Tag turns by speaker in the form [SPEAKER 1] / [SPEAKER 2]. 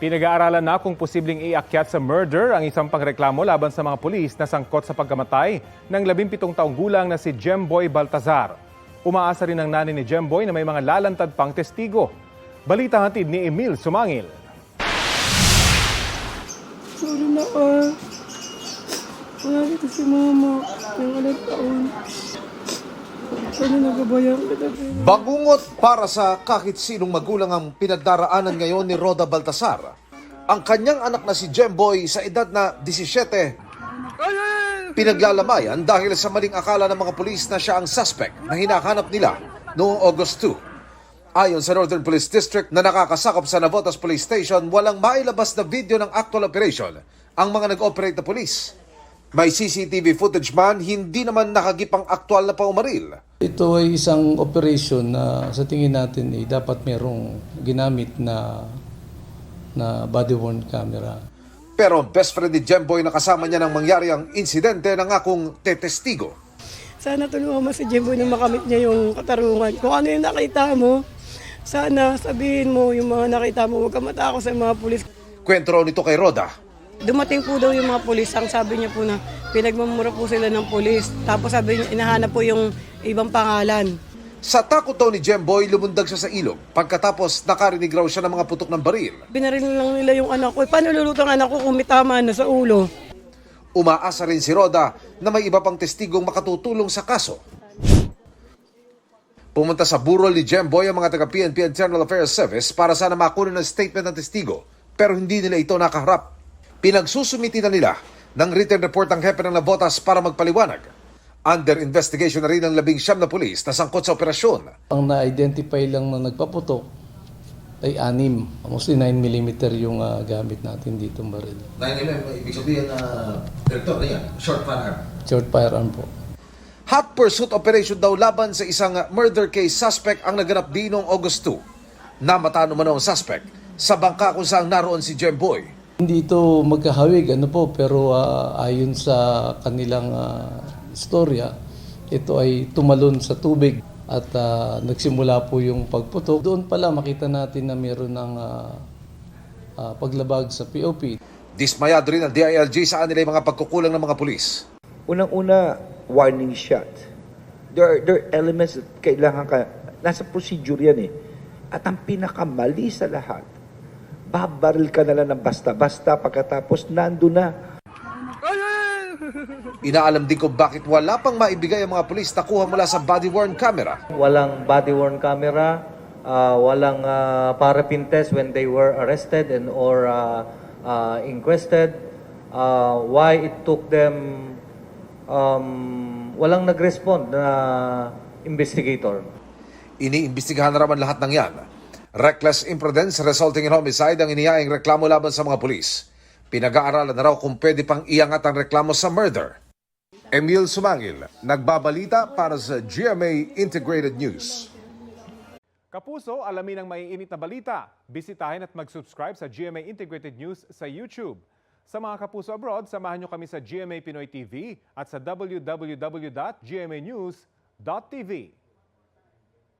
[SPEAKER 1] Pinag-aaralan na kung posibleng iakyat sa murder ang isang pangreklamo laban sa mga pulis na sangkot sa pagkamatay ng 17 taong gulang na si Jemboy Baltazar. Umaasa rin ang nanay ni Jemboy na may mga lalantad pang testigo. Balita hatid ni Emil Sumangil.
[SPEAKER 2] Sorry na wala dito si mama ng alat taon. Sana nagabayan kita.
[SPEAKER 3] Bangungot para sa kahit sinong magulang ang pinagdaraanan ngayon ni Roda Baltazar. Ang kanyang anak na si Jemboy sa edad na 17, pinaglalamayan dahil sa maling akala ng mga pulis na siya ang suspect na hinahanap nila noong August 2. Ayon sa Northern Police District na nakakasakop sa Navotas Police Station, walang mailabas na video ng actual operation ang mga nag-operate na pulis. May CCTV footage man, hindi naman nakagipang aktual na paumaril.
[SPEAKER 4] Ito ay isang operation na sa tingin natin dapat merong ginamit na body-worn camera.
[SPEAKER 3] Pero ang best friend ni Jemboy na kasama niya nang mangyari ang insidente na ngakong tetestigo.
[SPEAKER 2] Sana tulungan mo si Jimbo na makamit niya yung katarungan. Kung ano yung nakita mo, sana sabihin mo yung mga nakita mo, huwag ka matakot sa mga pulis.
[SPEAKER 3] Kwento raw nito kay Roda.
[SPEAKER 2] Dumating po daw yung mga pulis, ang sabi niya po na pinagmamura po sila ng pulis. Tapos sabi niya, inahanap po yung ibang pangalan.
[SPEAKER 3] Sa takot daw ni Jemboy, lumundag siya sa ilog. Pagkatapos nakarinig raw siya ng mga putok ng baril.
[SPEAKER 2] Binaril lang nila yung anak ko. Paano lulutang anak ko kung may tama na sa ulo?
[SPEAKER 3] Umaasa rin si Roda na may iba pang testigong makatutulong sa kaso. Pumunta sa burol ni Jemboy ang mga taga-PNP Internal Affairs Service para sana makunin ng statement ng testigo, pero hindi nila ito nakaharap. Pinagsusumiti na nila ng written report ang hepe ng Navotas para magpaliwanag. Under investigation na rin ang 19 na pulis na sangkot sa operasyon.
[SPEAKER 4] Ang na-identify lang na nagpaputok ay 6. Mostly 9mm yung gamit natin dito baril.
[SPEAKER 3] 9mm, ibig sabihin na direktor na yan, short firearm.
[SPEAKER 4] Short firearm po.
[SPEAKER 3] Hot pursuit operation daw laban sa isang murder case suspect ang naganap din noong August 2. Namatay naman ang suspect sa bangka kung saan naroon si Jemboy.
[SPEAKER 4] Hindi ito magkahawig pero ayon sa kanilang istorya, ito ay tumalon sa tubig at nagsimula po yung pagputok. Doon pala makita natin na meron ng paglabag sa POP.
[SPEAKER 3] Dismayado rin ang DILG sa kanila yung mga pagkukulang ng mga pulis.
[SPEAKER 5] Unang-una, warning shot. There are elements that kailangan ka, nasa procedure yan eh. At ang pinakamali sa lahat, babaril ka na lang ng basta-basta pagkatapos nando na.
[SPEAKER 3] Inaalam din kung bakit wala pang maibigay ang mga pulis na kuha mula sa body-worn camera.
[SPEAKER 6] Walang body-worn camera, walang paraffin test when they were arrested and or inquested. Why it took them, walang nag-respond na investigator.
[SPEAKER 3] Iniimbestigahan na raman lahat ng yan. Reckless imprudence resulting in homicide ang inihaing reklamo laban sa mga pulis. Pinag-aaralan na raw kung pwede pang iangat ang reklamo sa murder. Emil Sumangil, nagbabalita para sa GMA Integrated News.
[SPEAKER 1] Kapuso, alamin ang maiinit na balita. Bisitahin at mag-subscribe sa GMA Integrated News sa YouTube. Sa mga kapuso abroad, samahan nyo kami sa GMA Pinoy TV at sa www.gmanews.tv.